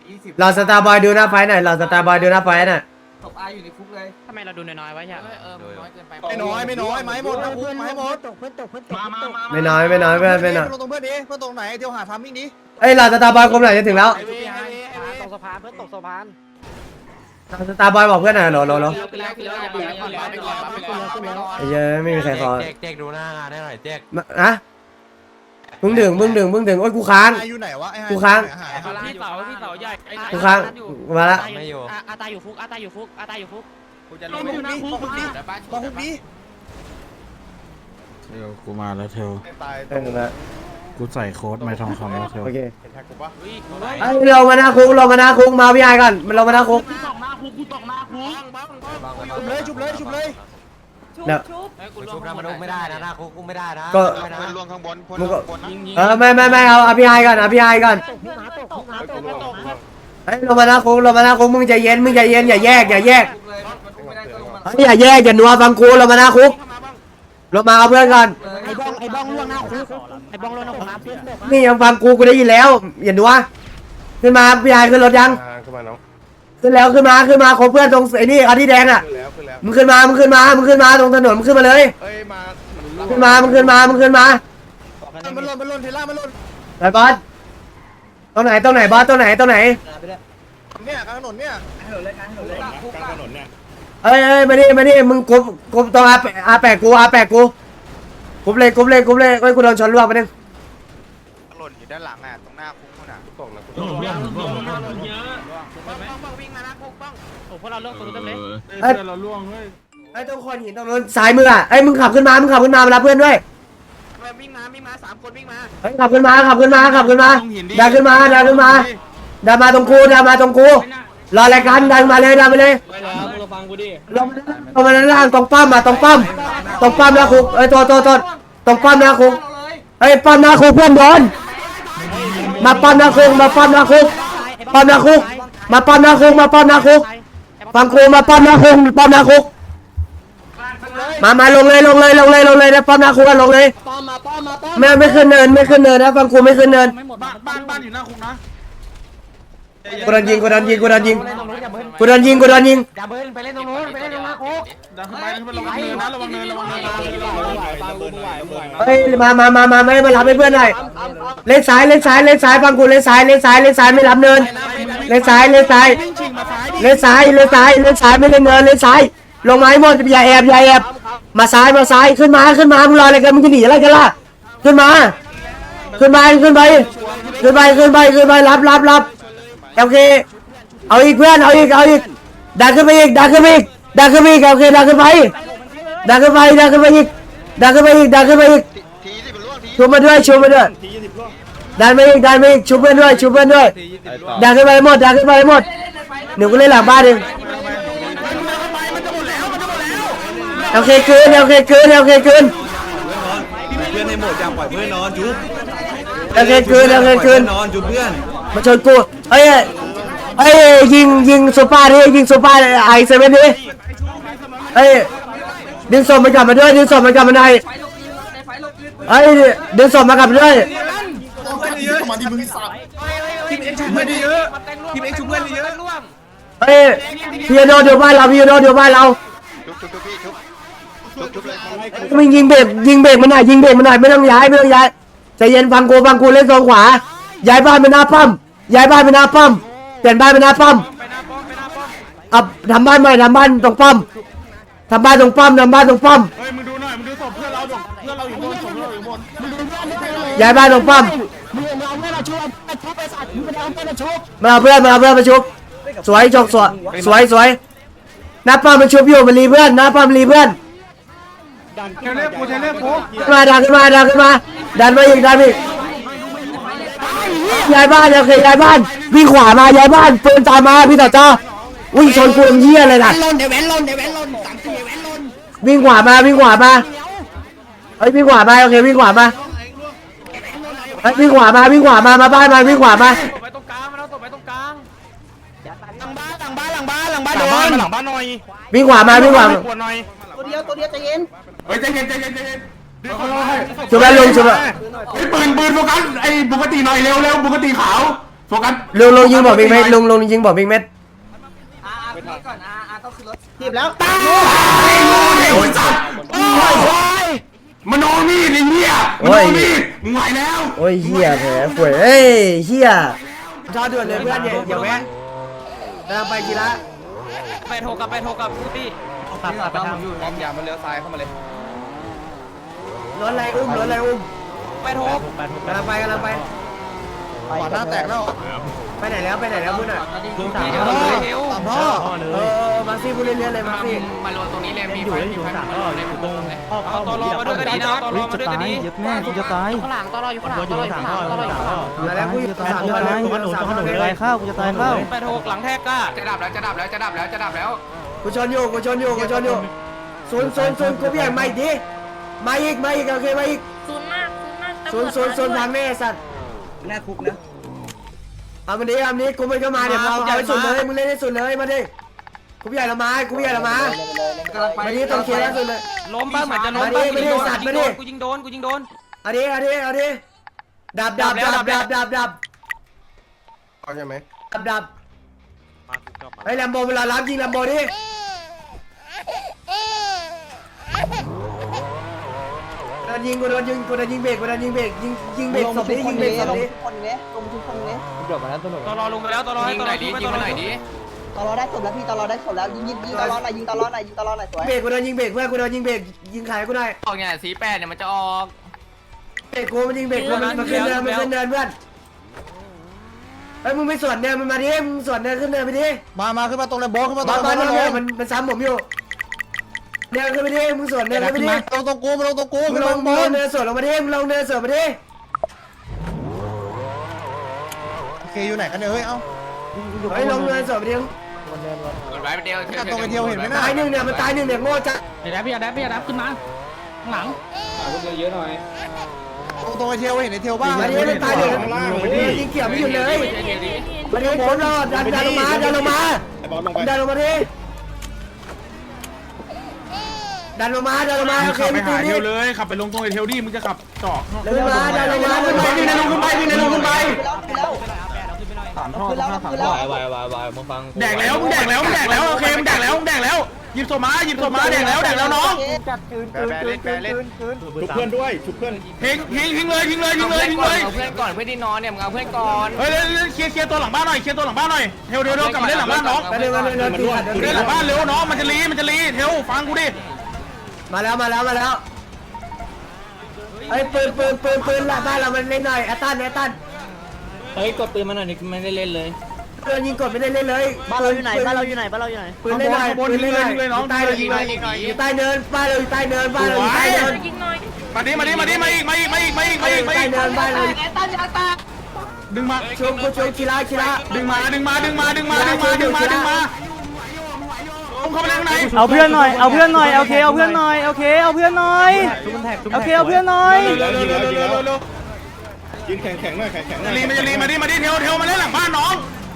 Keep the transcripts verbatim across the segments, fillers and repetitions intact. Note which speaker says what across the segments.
Speaker 1: ยี่สิบ
Speaker 2: เราสตาร์บอยดูหน้าไฟหน่อยเราสตาร์บอยดูหน้าไฟหน่อย
Speaker 1: ศพอาอยู่ในคุกเลย
Speaker 3: ทำไมเราดูน้อยๆไว้ใช่ไหม
Speaker 1: เออน้อยเกินไป
Speaker 4: ไม่น้อยไม่น้อยไม้หมดนะคุกไม้หมด
Speaker 5: ตกเพื่อนตกเพื่อนตก
Speaker 1: มามามา
Speaker 2: ไม่น้อยไม่น้อยเพื่อนไม่น้อย
Speaker 4: ลงตรงเพื่อนดิเพื่อนตรงไหนเที่ยวหาทามมิ่งดิ
Speaker 2: เอ้ยเราสตาร์บอยครบหน่อยจะถึงแล้ว
Speaker 5: ตกสะพานเพื่อนตกสะพาน
Speaker 2: เราสตาร์บอยบอกเพื่อนหน่อยโหลโหลโหล
Speaker 1: ไปแล้วไปแล้วอย่าไปก่อนไปก่อนไปก่อนไปก่อน
Speaker 2: ไอ้เหี้ยไม่มีใครขอ
Speaker 6: เจ๊กเจ๊กดูหน้างานได้หน่อยเจ๊ก
Speaker 2: อะมึงดึงมึงดึงมึงดึงโอ้ยกูค้าง
Speaker 4: ไฮอยู่ไหนวะไอ้ไฮ
Speaker 2: กูค้าง
Speaker 3: พี่เสาพี่เสาใหญ่
Speaker 2: กูค้างมาละ
Speaker 6: ไม่อยู่
Speaker 3: อาตาอยู่ฟุกอาตาอยู่ฟุกอาตาอยู่ฟุก
Speaker 1: กูจะลงไปคุกดิแต่บ้าน
Speaker 4: มาคุกดิ
Speaker 7: เทลกูมาแล้วเทล
Speaker 4: ตาย
Speaker 2: เออละ
Speaker 7: กูใส่โค้ดไม่ทองคำแล้วเทล
Speaker 2: โอเค
Speaker 4: เห็นแท็กกูปะ
Speaker 2: ไอ้เรามาหน้าคุกเรามาหน้าคุกมาพี่ไอ้ก่อนมันเรามาหน้าคุก
Speaker 4: จุบเลยจุบเลยจุบเลย
Speaker 2: เดี๋ยว
Speaker 6: กูชุบนะมันอุ้มไม่ได้นะหน้าคุกอุ้มไม่ได้นะ
Speaker 2: ก็
Speaker 6: ไม่ได้
Speaker 4: เพื่อน
Speaker 6: นะ
Speaker 4: ล่วงข้างบนเพื่อน
Speaker 2: มึง
Speaker 4: ล่ว
Speaker 2: ก็
Speaker 4: งข้างบนนะ
Speaker 2: เออไม่ไม่ไม่เอาเอาพี่ไอ้ก่อนเอาพี่ไอ้ก่อน
Speaker 5: ตกน้ำตกน้ำตกน้ำตก
Speaker 2: เฮ้ยเรามาหน้าคุกเรามาหน้าคุกมึงใจเย็นมึงใจเย็นอย่าแยกอย่าแยก
Speaker 1: คุกเลยมันคุกไม่ได้ก็ลงมา
Speaker 2: เฮ้ยอย่าแยกอย่านัวฟังกูเรามาหน้าคุกเรามาเอาเพื่อนก่อน
Speaker 5: ไอ้บ้องไอ้บ้องล่วงหน้าคุกไอ้บ้องล่วงหน้าคุกน้ำเพื่อนตก
Speaker 2: นี่ยังฟังกูกูได้ยินแล้วอย่านัวขึ้นมาพี่ไอ้ขึ้นรถยัง
Speaker 4: ขึ้นมาน้อง
Speaker 2: ขึ้นแล้วขึ้นมาขึ้นมาขอเพื่อนตรงไอ้นี่เอาที่แดงอ่ะ
Speaker 4: ขึ้นแล้วขึ้นแล้ว
Speaker 2: มึงขึ้นมามึงขึ้นมามึงขึ้นมาตรงถนนมึงขึ้นมาเลย
Speaker 4: เอ้ยมา
Speaker 2: ขึ้นมามึงขึ้นมามึงขึ้นมา
Speaker 4: มันหล่นมันหล่นเทล่ามันหล่น
Speaker 2: ไปบอสตรงไหนตรงไหนบอสตรงไหนตรงไหน
Speaker 4: เนี่ยกลางถนนเนี่ย
Speaker 1: คุกอะ
Speaker 2: เอ้ยเอ้ยมาดิมาดิมึงกบกบตรงอาแปอาแปะกูอาแปะกูกบเลยกบเลยกบเลยเอ้ยกูโดนชนล่วงไปนึง
Speaker 4: หล่นอยู่ด้านหลังอ่ะตรงหน้าคุกนู่นอ่ะตกแล้วกู
Speaker 3: วิ่งมานะคุกบ้องโอ้พวกเราเลิกตัวเต็มเลย
Speaker 2: เอ้ยเราล่วงเฮ้ยไอ้ตรงคนหินตรงนู้นซ้ายมืออ่ะไอ้ยมึงขับขึ้นมามึงขับขึ้นมามารับเพื่อนด้วย
Speaker 3: วิ่งมาวิ่งมาสามคนวิ่งมา
Speaker 2: เฮ้ยขับขึ้นมาขับขึ้นมาขับขึ้นมาดันขึ้นมาดันขึ้นมาดันมาตรงกูดันมาตรงกูรอรายการดันมาเลยดันมาเลย
Speaker 3: ไปแล้วมึงฟังกูดิ
Speaker 2: ลงมาลงมาด้านล่างตรงป้อมมาตรงป้อมตรงป้อมนะคุกเอ้ยโทษโทษโทษตรงป้อมนะคุกเอ้ยป้อมนะคุกเพื่อนโดนมาป้อมนะคุกมาป้อมนะคุกป้อมนะคุกมาป้อมนะคุกมาป้อมนะคุกฟังกูมาป้อมนะคุกป้อมนะคุกมามาลงเลยลงเลยลงเลยลงเลยนะป้อมนะคุกกันลงเลย
Speaker 5: ป้อมมาป้อมมาป้อม
Speaker 2: ไม่ไม่ขึ้นเนินไม่ขึ้นเนินนะฟังกูไม่ขึ้นเนิน
Speaker 7: บ้านบ้านบ้านอยู่หน้าคุกนะ
Speaker 2: กูโดนยิงกูโดนยิงกูโดนยิงกูโดนยิงกูโดนยิง
Speaker 5: อย่าเบิ้ลไปเล่นตรงนู้นไปเล่นตรงหน้าคุก
Speaker 7: ดันขึ้นไปดันขึ้นไประวังเนินนะระวังเนินระวังเนินระวังเนินระวังเนิน
Speaker 2: เฮ้ยมามามามาไม่มารับให้เพื่อนหน่อยเล่นซ้ายเล่นซ้ายเล่นซ้ายฟังกูเล่นซ้ายเล่นซ้ายเล่นซ้ายไม่รับเนินเล่นซ้ายเล่นซ้ายเล่นซ้ายเล่นซ้ายเล่นซ้ายไม่เล่นเนินเล่นซ้ายลงมาให้หมดอย่าแอบอย่าแอบมาซ้ายมาซ้ายขึ้นมาขึ้นมามึงรออะไรกันมึงจะหนีอะไรกันล่ะขึ้นมาขึ้นไปขึ้นไปขึ้นไปขึ้นไปขึ้นไปรับรับรับโอเคเอาอีกเพื่อนเอาอีกเอาอีกดันขึ้นไปอีกดันขึ้นไปอีกดันขึ้นไปอีกโอเคดันขึ้นไปดันขึ้นไปดันขึ้นไปอีกดันขึ้นไปอีกดันขึ้นไปอีก
Speaker 4: ทีสิมันล่วงที
Speaker 2: ชูมาด้วยชูมาด้วยดันไปอีกดันไปอีกชูเพื่อนด้วยชูเพื่อนด้วยดันขึ้นไปหมดดันขึ้นไปหมดหนูก็เล่นหลังบ้านเองโอเคคืนโอเคคืนโอเคคืน
Speaker 6: เพื่อนให้หมดอย่าปล่อยเพื่อนนอนจุ๊บ
Speaker 2: โอเคคืนโอเคคืน
Speaker 6: นอนจุ๊บเพื่อน
Speaker 2: มาชนกูเอ้ยเอ้ยยิงยิงซูเปอร์ดิยิงซูเปอร์ไอเซเว่นดิเอ้ยดึงศพมันกลับมาด้วยดึงศพมันกลับมาหน่อย
Speaker 1: ไฟลงยืนในไฟลงยืน
Speaker 2: เอ้ยดึงศพมากลับมาด้วย
Speaker 4: มาดิมึงสับ
Speaker 1: ทีมเอ็กซ์ชุบเพื่อนเยอะทีมเอ็กซ์ชุบเพื่อนเยอะ
Speaker 2: เอ้ยพี่โดนเดี๋ยวบ้านเราพี่โดนเดี๋ยวบ้านเรา
Speaker 4: ชุบชุบชุบพี่ชุบชุบชุบเลย
Speaker 2: มึงยิงเบรกยิงเบรกมันหน่อยยิงเบรกมันหน่อยไม่ต้องย้ายไม่ต้องย้ายใจเย็นฟังกูฟังกูเล่นโซนขวาย้ายบ้านไปหน้าป้อมย้ายบ้านไปหน้าป้อมเปลี่ยนบ้านไปหน้าป้อมเอาทำบ้านใหม่ทำบ้านตรงป้อมทำบ้านตรงป้อมทำบ้านตรงป้อม
Speaker 7: เฮ้ยมึงดูหน่อยมึงดูศพเพื่อนเราเพื่อนเราอยู่บนศพเราอยู่บน
Speaker 2: ย้ายบ้านตรงป้อม
Speaker 5: มึงเอาเพื่อนมาชุบมาชุบไปสัตว์มึงเอาเพื่อนมาชุบ
Speaker 2: มาเอาเพื่อนมาเอาเพื่อนมาชุบสวยจกสวยสวยสวยหน้าป้อมมันชุบอยู่มันรีเพื่อนหน้าป้อมรีเพื่อน
Speaker 7: เทเลกูเทเลกู
Speaker 2: ขึ้นมาดันขึ้นมาดันขึ้นมาดันมาอีกดันอีกย้ายบ้านโอเคย้ายบ้านวิ่งขวามาย้ายบ้านปืนตามมาพี่ต่อจ้าวิ่งชนกูเหี้ยเลยนะ
Speaker 5: ลนเดี๋ยวแว้นลนเดี๋ยวแว้นลนสามสี่แว้นลน
Speaker 2: วิ่งขวามาวิ่งขวามาเฮ้ยวิ่งขวามาโอเควิ่งขวามาเฮ้ยวิ่งขวามาวิ่งขวามามาบ้านมาวิ่งขวามา
Speaker 3: ไปตรงกลางมันเอาศพไปตรงกลาง
Speaker 5: หลังบ้านหลังบ้านหลังบ้านหลังบ้าน
Speaker 7: หลั
Speaker 5: โด
Speaker 7: งบ้าน
Speaker 5: น
Speaker 7: มาหลังบ้านหน่อย
Speaker 2: วิ่งขวามาวิ่งขวามา
Speaker 7: ปวดหน่อย
Speaker 1: ตัวเดียวตัวเดียวใจเย็น
Speaker 7: เฮ้ยใจเย็นใจเย็นใจเย็นดึงเขาให้
Speaker 2: ชุบแล้วลุงชุบแล้ว
Speaker 7: ไอ้ปืนปืนโฟกัสไอ้ปกติหน่อยเร็วเร็วปกติขาวโฟกัส
Speaker 2: ลุงลุงยิงบอกบิ๊กเม็ดลุงลุงยิงบอกบิ๊กเม็ด
Speaker 1: อ่าพี่ก่อนอ่าอ่าต้องขึ้นรถ
Speaker 2: ทีบแล้ว
Speaker 7: ไอ้สัตว์โอ้ยมโนมีดไอ้เหี้ยมโนมีดมึงไหวแล้ว
Speaker 2: โอ้ยเฮียแผลป่วยเอ้ยเฮียชอด่วนเลยเพื่อนอย่าแวะกำลังไปกีฬา
Speaker 3: ไปโทรกับไปโทรกับพูดดิ
Speaker 1: ตัดตัดไปทางอยู่พร้อมยามาเลี้ยวซ้ายเข้ามาเลย
Speaker 2: รถอะไรอุ้มรถอะไรอุ้ม
Speaker 3: ไปโทร
Speaker 2: กำลังไปกำลังไป
Speaker 1: ขวาหน้าแตกแล้ว
Speaker 2: ไปไหนแล้วไปไหนแล้วพูดหน่อย
Speaker 3: ลุงพี่เดี๋ยวเราเลยเฮล
Speaker 2: พ่อเออมาซี่พูดเรื่อยๆเลยมาซี่
Speaker 3: มาลงตรงนี้เลยมีไฟมีไฟในหมู่บ้านเลยเอาตอรอมาด้วยก็ดีนะตอรอมาด้วยก็ดี
Speaker 5: แม่กูจะตาย
Speaker 3: ข้างหลังตอรออยู่ข้างหลังตอรออยู่ข้างหลังตอรออยู่ข้างหลัง
Speaker 2: มาแล้วผู้หญิงสามคนเลยคนหนูสามคนเลย
Speaker 5: ตายข้าวกูจะตายข้าว
Speaker 3: ไปโทรหลังแทกก้าจะดับแล้วจะดับแล้วจะดับแล้วจะดับแล้ว
Speaker 2: กูชนอยู่กูชนอยู่กูชนอยู่ศูนย์ศูนย์ศูนย์กูพี่ใหญ่มาอีกทีมาอีกมาอีกโอเคมาอีก
Speaker 8: ศูนย์มากศูนย์มาก
Speaker 2: ศูนย์ศูนย์ศูนย์ทางแม่สัตว์
Speaker 1: หน้าคุกนะ
Speaker 2: เอามันนี้เอามันนี้กูมันก็มาเดี๋ยวเอาเอาให้สุดเลยมึงเล่นให้สุดเลยมาดิกูพี่ใหญ่ละมากูพี่ใหญ่ละมา
Speaker 1: กำลังไป
Speaker 2: มาดิต้องเคลียร์แล้วสุดเลย
Speaker 3: ล้มบ้าเหมือนจะล้มบ้ากูยิงโดนกูยิงโดนกูยิงโดน
Speaker 2: เอาดิเอาดิเอาดิดับดับดับดับดับดับ
Speaker 1: เอาใช่ไหม
Speaker 2: ดับดับไอ้แลมโบเวลารับยิงแลมโบดิโดนยิงกูโดนยิงกูโดนยิงเบรกกูโดนยิงเบรกยิงยิงเบรกศพนี้ยิงเบรกศพนี้
Speaker 1: คนนี้ลงทุกคนนี้
Speaker 3: ตอรอลงไปแล้วตอรอให้ตอรอยิงไปตอรอดิ
Speaker 1: ตลอดได้ศพแล้วพี่ตลอดได้ศพแล้วยิงยิงยิงตลอดหน่อยยิงตลอดหน่อยยิงตลอดหน่อยสวย
Speaker 2: เบรกกูโดนยิงเบรกเพื่อนกูโดนยิงเบรกยิงขายกูหน่อย
Speaker 3: ออกเนี่ยสีแปดเนี่ยมันจะออก
Speaker 2: เบรกกูมันยิงเบรกกูมันมันขึ้นเนินมันขึ้นเนินเพื่อนไอ้มึงไม่สวนเนินมันมาดิมึงสวนเนินขึ้นเนินไปดิ
Speaker 1: มามาขึ้นมาตรงเลยโบขึ้นมาตร
Speaker 2: มาง
Speaker 1: เล
Speaker 2: บ้าย นเนี่ยมันมันซ้ำผมอยู่เนินขึ้นไปดิมึงสวนเนินขึ้นไปดิ
Speaker 1: ตรงตรงกูมาลงตรงกู
Speaker 2: มึ
Speaker 1: ขึ้
Speaker 2: ง
Speaker 1: น
Speaker 2: ล
Speaker 1: ล
Speaker 2: ง
Speaker 1: ง
Speaker 2: มึ
Speaker 1: บ
Speaker 2: งลง
Speaker 1: น
Speaker 2: เนินสวนลงมาดิมึงลงเนินสวนมาดิ
Speaker 1: โอเคอยู่ไหนกันเนี่ยเฮ้ยเอ้า
Speaker 2: ไอ้ลงเนินสวนมาดิ
Speaker 3: ไว้ไปเดียว
Speaker 1: ตรงไอเดียวเห็นไหมนะ
Speaker 2: ตายหนึ่งเนี่ยมันตายหนึ่งเนี่ยโง่จัด
Speaker 5: ไอ้แดบพี่แดบพี่แดบขึ้นมาข้างหลัง
Speaker 1: ตรงตรงไอเทียวเห็นไอเทียวบ้าง
Speaker 2: มาดิมันตายหนึ่งยิงเกี่ยวไม่หยุดเลยมาดิผมรอดันดันลงมาดันลงมาดันลงมาดิดันลงมาดันลงมาโอเค
Speaker 7: ขับไป
Speaker 2: ไม่ตี
Speaker 7: หาเท
Speaker 2: นี่
Speaker 7: ลเลยขับไปลงตรงไอเทลดิมึงจะขับจอก
Speaker 2: ขึ้นมาดันลงมาขึ้นมา
Speaker 7: วิ่งในลงขึ้นไปวิ่งในลงขึ้นไป
Speaker 1: คือแล้วคือแล้ว
Speaker 3: วายวายวายมึงฟัง
Speaker 7: แดกแล้วมึงแดกแล้วมึงแดกแล้วโอเคมึงแดกแล้วมึงแดกแล้วหยิบโซมาหยิบโซมาแดกแล้วแดกแล้วน้อง
Speaker 4: แบเล่นแบเล่น
Speaker 6: ชุบเพื่อนด้วยชุบเพื่อน
Speaker 7: ทิ้งทิ้งทิ้งเลยทิ้งเลยทิ้งเลยทิ้งเลย
Speaker 3: เอาเพื่อนก่อนเพื่อนที่นอนเนี่ยมึงเอาเพื่อนก่อน
Speaker 7: เฮ้ยเคลียร์เคลียร์ตัวหลังบ้านหน่อยเคลียร์ตัวหลังบ้านหน่อยเทลเทลเทลกลับมาเล่นหลังบ้านน้อง
Speaker 2: เดินมาเดินเดินตีหัด
Speaker 7: เล่นหลังบ้านเร็วน้องมันจะรีมันจะรีเทลฟังกูดิ
Speaker 2: มาแล้วมาแล้วมาแล้วไอ้ปืนปืนปืนปืนละบ้านเรามันเล่นหน่อยแอตตันแอตตัน
Speaker 3: เฮ้ยกดปืนมาหน่อยนี่ไม่ได้เล่นเลย
Speaker 2: ปืนยิงกดไม่ได้เล่นเลยบ้านเราอยู่ไหนบ้านเราอยู่ไหนบ้านเราอยู่ไหนปืนเล่นหน่อยปืนเล่นหน่อยใต้ยิงเลยอยู่ใต้เนินบ้านเราอยู่ใต้เนินบ้านเราอยู่ใต้เนิน
Speaker 8: ยิงหน่อย
Speaker 7: มาดิมาดิมาดิมาอีกมาอีกมาอีกมาอีกมาอีกมา
Speaker 2: ใต้
Speaker 7: อีก
Speaker 2: เนินบ้านเรา
Speaker 7: ดึงมา
Speaker 2: ชมกูชมกีฬากีฬา
Speaker 7: ดึงมาดึงมาดึงมาดึงมาดึงมาดึงมาดึงมาผมเข้าไปเล่นข้างใน
Speaker 5: เอาเพื่อนหน่อยเอาเพื่อนหน่อยโอเคเอาเพื่อนหน่อยโอเคเอาเพื่อนหน่อยโอเคเอาเพื่อนหน่อย
Speaker 7: เร็วเร็วเร็วเร็วเร็วเร็ว
Speaker 6: ยืนแข็งแข็งหน่อยแข็งแข็งหน่อย
Speaker 7: รีมาจะรีมาดิมาดิเทลเทลมาเล่นหลังบ้านน้อง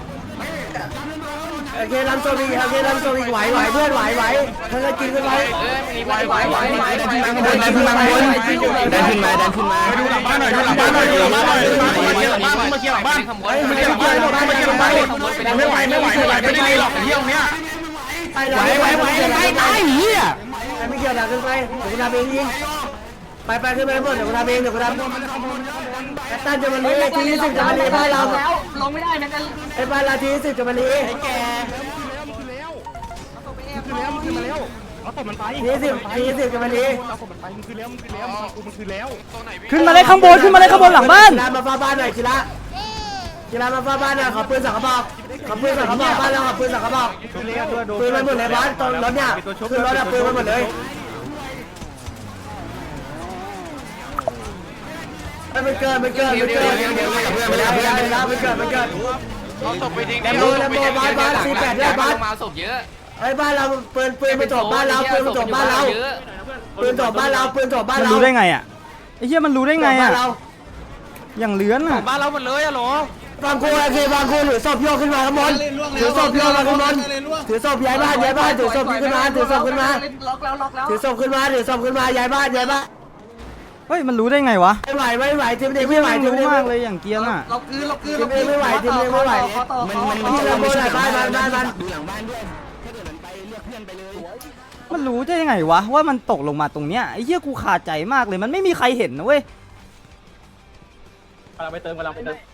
Speaker 2: โอเครันโซบีโอเครันโซบีไหวไหวเพื่อนไหวไหวเพื่อนกินกันไป
Speaker 3: เอ้ยมีไหวไหวไหวไหวไหว
Speaker 2: ดันขึ้นมาดันขึ้นมาดันขึ้นมา
Speaker 7: ดูหลังบ้านหน่อยดูหลังบ้านหน่อยดูหลังบ้านหน่อยมาเคลียร์หลังบ้านมาเคลียร์หลังบ้าน
Speaker 2: เฮ้ย
Speaker 7: มา
Speaker 2: ไม่
Speaker 7: เคลียร์หลังบ้านมาเคลียร์หลังบ้านไม่ไหวไม่ไหวไม่ไหวไม่ได้รีหรอกเที่ยวเนี้ย
Speaker 2: ไหวไหวไหวไหวไหวเฮียไม่เกี่ยวดันขึ้นไปเดี๋ยวกูทำเองยิงไปไปขึ้นไปหมดเดี๋ยวกูทำเองเดี๋ยวกูทำแอตตันจะมาลีทีสิบจะมาลีบ้านเราแล้วลงไม่ได้นะกันไอ้บ้านเราทีสิบจะมาลีไอ้แกทีสิบทีสิบจะมาลี
Speaker 5: ขึ้นมาเลยข้างบนขึ้นมาเลยข้างบนหลังบ้าน
Speaker 2: กีฬามาฟ้าบ้านหน่อยกีฬากีฬามาฟ้าบ้านหน่อยขอปืนสังกระบอกขอปืนสังกระบอกบ้านเราขอปืนสังกระบอกปืนมันหมดเลยบ้านตอนรถเนี่ยคือรถอะปืนมันหมดเลยมันเกินมันเกินมันเกินมันเกินมันเกินมันเกินมันเกิน
Speaker 4: เอาศพไปทิ้ง
Speaker 2: แลมโบแลมโบบ้านบ้านสี่แปดเนี่ยบ้าน
Speaker 3: มาศพเยอะ
Speaker 2: ไอ้บ้านเราปืนปืนมันจบบ้านเราปืนมันจบบ้านเราปืนจบบ้านเราปืนจบบ้าน
Speaker 5: มัน
Speaker 2: เรา
Speaker 5: รู้ได้ไงอ่ะไอ้เหี้ยมันรู้ได้ไง
Speaker 2: บ้า
Speaker 5: อ่ะ
Speaker 2: นเรา
Speaker 5: อย่างเลื้อนอ่ะ
Speaker 3: บ้านเราหมดเลยอะหรอบ
Speaker 2: างคู่โอเคบางคู่ถือศพโยกขึ้นมาข้างบนถือศพโยกมาข้างบนถือศพย้ายบ้านย้ายบ้านถือศพขึ้นมาถือศพขึ้นมา
Speaker 1: ล็อกแล้วล็อกแล้ว
Speaker 2: ถือศพขึ้นมาถือศพขึ้นมาย้ายบ้านย้ายบ้าน
Speaker 5: เฮ้ยมันรู้ได้ไงวะ
Speaker 2: ไม่ไหวไม่ไหวทีมเด็กไม่ไหวทีม
Speaker 5: รู้
Speaker 2: เด็ก
Speaker 5: มากเลยอย่างเกียร์น่ะ
Speaker 1: เราคืนเราคืน
Speaker 2: ทีมเด็กไม่ไหวทีมเด็กไม่ไหว
Speaker 1: มัน
Speaker 2: มันมันจะไม่ใช่บ้านบ้านบ้าน
Speaker 5: มันรู้ได้ยังไงวะว่ามันตกลงมาตรงเนี้ยไอ้เหี้ยกูขาดใจมากเลยมันไม่มีใครเห็นนะเว้ย
Speaker 3: กำลังไปเติมกำลังไปเติม